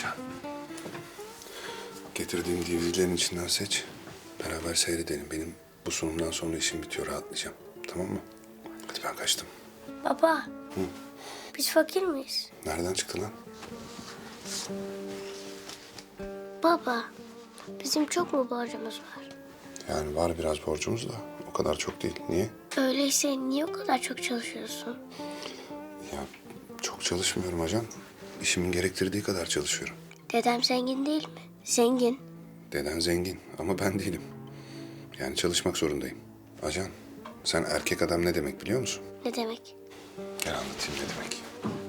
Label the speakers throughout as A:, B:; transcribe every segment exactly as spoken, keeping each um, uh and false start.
A: Can. Getirdiğim D V D'lerin içinden seç. Beraber seyredelim. Benim bu sunumdan sonra işim bitiyor. Rahatlayacağım. Tamam mı? Hadi ben kaçtım.
B: Baba.
A: Hı?
B: Biz fakir miyiz?
A: Nereden çıktı lan?
B: Baba. Bizim çok mu borcumuz var?
A: Yani var biraz borcumuz da o kadar çok değil. Niye?
B: Öyleyse niye o kadar çok çalışıyorsun?
A: Ya çok çalışmıyorum ajan. İşimin gerektirdiği kadar çalışıyorum.
B: Dedem zengin değil mi? Zengin.
A: Deden zengin ama ben değilim. Yani çalışmak zorundayım. Ajan, sen erkek adam ne demek biliyor musun?
B: Ne demek?
A: Gel anlatayım ne demek.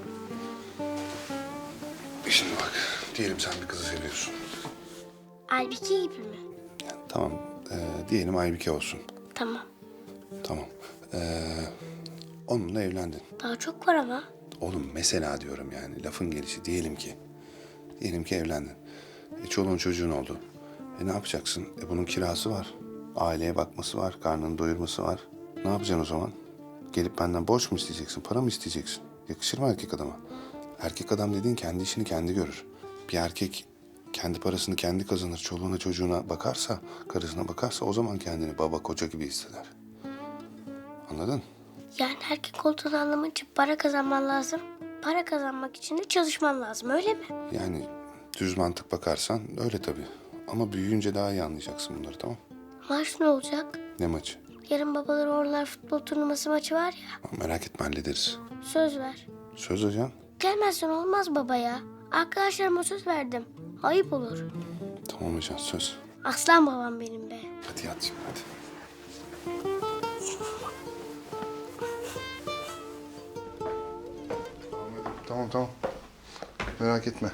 A: Şimdi bak, diyelim sen bir kızı seviyorsun.
B: Aybiki gibi mi?
A: Yani tamam, e, diyelim Aybike olsun.
B: Tamam.
A: Tamam. E, onunla evlendin.
B: Daha çok var ama.
A: Oğlum mesela diyorum yani lafın gelişi diyelim ki. Diyelim ki evlendin. E, çoluğun çocuğun oldu. E ne yapacaksın? E bunun kirası var. Aileye bakması var, karnını doyurması var. Ne yapacaksın o zaman? Gelip benden borç mu isteyeceksin, para mı isteyeceksin? Yakışır mı erkek adama? Erkek adam dediğin kendi işini kendi görür. Bir erkek kendi parasını kendi kazanır, çoluğuna çocuğuna bakarsa, karısına bakarsa o zaman kendini baba koca gibi hisseder. Anladın?
B: Yani erkek olduğunu anlamak için para kazanman lazım. Para kazanmak için de çalışman lazım, öyle mi?
A: Yani düz mantık bakarsan öyle tabii. Ama büyüyünce daha iyi anlayacaksın bunları, tamam?
B: Maç ne olacak?
A: Ne maçı?
B: Yarın babalar oğullar futbol turnuvası maçı var ya.
A: Merak etme hallederiz.
B: Söz ver.
A: Söz hocam.
B: Gelmezsen olmaz baba ya. Arkadaşlarıma söz verdim. Ayıp olur.
A: Tamam hocam söz.
B: Aslan babam benim be.
A: Hadi yat şimdi hadi. Tamam tamam. Merak etme.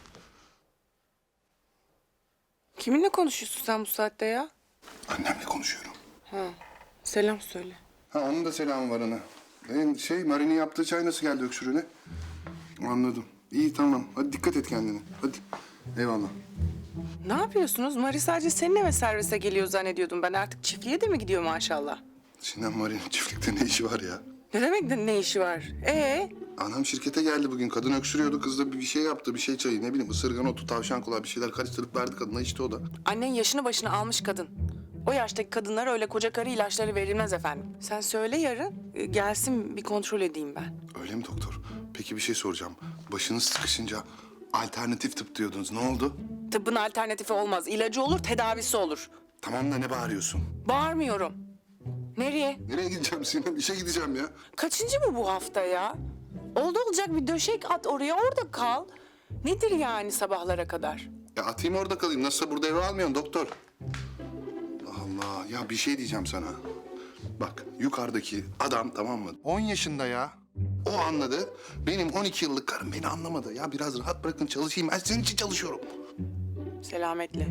C: Kiminle konuşuyorsun sen bu saatte ya?
A: Annemle konuşuyorum.
C: Ha, selam söyle.
A: Ha onun da selamı var ana. Benim şey Mari'nin yaptığı çay nasıl geldi öksürüğüne? Anladım. İyi tamam. Hadi dikkat et kendine. Hadi. Eyvallah.
C: Ne yapıyorsunuz? Mari sadece seninle ve servise geliyor zannediyordum. Ben artık çiftliğe de mi gidiyor maşallah?
A: Sinan Mari'nin çiftlikte ne işi var ya?
C: Ne demek de ne işi var? Ee,
A: Anam şirkete geldi bugün. Kadın öksürüyordu. Kız da bir şey yaptı. Bir şey çayı. Ne bileyim ısırgan otu, tavşan kulağı bir şeyler karıştırıp verdi kadına. İçti o da.
C: annen yaşını başına almış kadın. O yaştaki kadınlara öyle koca karı ilaçları verilmez efendim. Sen söyle yarın e, gelsin bir kontrol edeyim ben.
A: Öyle mi doktor? Peki bir şey soracağım. Başınız sıkışınca alternatif tıp diyordunuz. Ne oldu?
C: Tıbbın alternatifi olmaz. İlacı olur, tedavisi olur.
A: Tamam da ne bağırıyorsun?
C: Bağırmıyorum. Nereye?
A: Nereye gideceğim Sinan? İşe gideceğim ya.
C: Kaçıncı mı bu hafta ya? Oldu olacak bir döşek at oraya, orada kal. Nedir yani sabahlara kadar?
A: Ya atayım orada kalayım. Nasılsa burada eve almıyorsun doktor. Allah ya bir şey diyeceğim sana. Bak yukarıdaki adam tamam mı? on yaşında ya. O anladı. Benim on iki yıllık karım beni anlamadı. Ya biraz rahat bırakın çalışayım. Ben senin için çalışıyorum.
C: Selametle.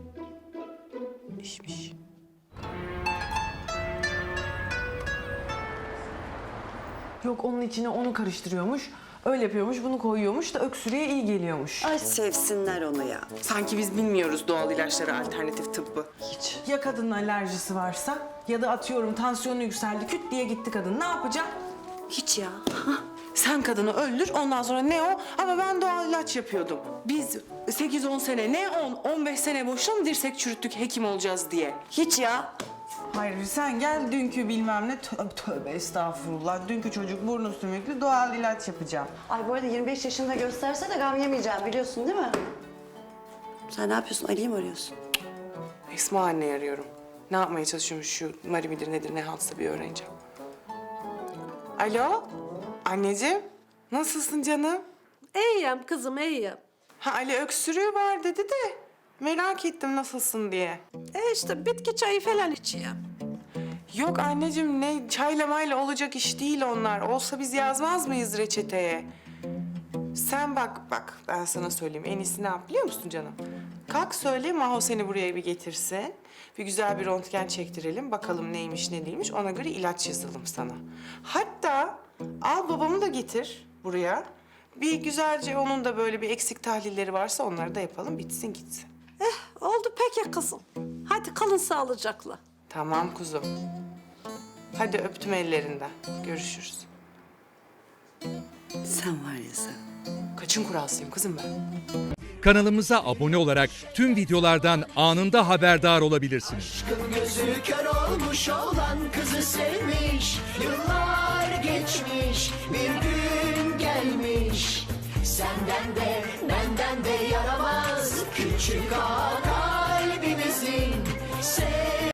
C: İşmiş.
D: Yok onun içine onu karıştırıyormuş, öyle yapıyormuş, bunu koyuyormuş da öksürüğe iyi geliyormuş.
E: Ay sevsinler onu ya.
C: Sanki biz bilmiyoruz doğal ilaçları, alternatif tıbbı.
D: Hiç. Ya kadının alerjisi varsa ya da atıyorum tansiyonu yükseldi, küt diye gitti kadın. Ne yapacak?
E: Hiç ya.
C: Sen kadını öldür, ondan sonra ne o? Ama ben doğal ilaç yapıyordum. Biz sekiz on sene, ne on, on beş sene boşuna mı dirsek çürüttük hekim olacağız diye?
E: Hiç ya.
D: Hayır sen gel dünkü bilmem ne, tövbe, tövbe estağfurullah. Dünkü çocuk burnu sümüklü doğal ilaç yapacağım.
E: Ay bu arada yirmi beş yaşında gösterse de gam yemeyeceğim biliyorsun değil mi? Sen ne yapıyorsun? Ali'yi mi arıyorsun?
C: Esma anneyi arıyorum. Ne yapmaya çalışıyormuş şu Mari midir nedir ne haltsa bir öğreneceğim. Alo, anneciğim. Nasılsın canım?
F: İyiyim kızım, iyiyim.
C: Ha Ali öksürüğü var dedi de merak ettim nasılsın diye.
F: E işte bitki çayı falan içiyorum.
C: Yok anneciğim ne çayla mayla olacak iş değil onlar. Olsa biz yazmaz mıyız reçeteye? Sen bak bak ben sana söyleyeyim en iyisi ne yap biliyor musun canım? Kalk söyle Maho seni buraya bir getirsin. Bir güzel bir röntgen çektirelim bakalım neymiş ne değilmiş ona göre ilaç yazalım sana. Hatta al babamı da getir buraya. Bir güzelce onun da böyle bir eksik tahlilleri varsa onları da yapalım bitsin gitsin.
F: Eh oldu peki kızım. Hadi kalın sağlıcakla.
C: Tamam kuzum. Hadi öptüm ellerinden. Görüşürüz.
E: Sen var ya sen.
C: Kaçın kuralsıyım kızım ben.
G: Kanalımıza abone olarak tüm videolardan anında haberdar olabilirsiniz.
H: Gözü kör olmuş olan kızı sevmiş. Yıllar geçmiş, bir gün gelmiş. Senden de benden de yaramaz küçük ağa kalbimizin.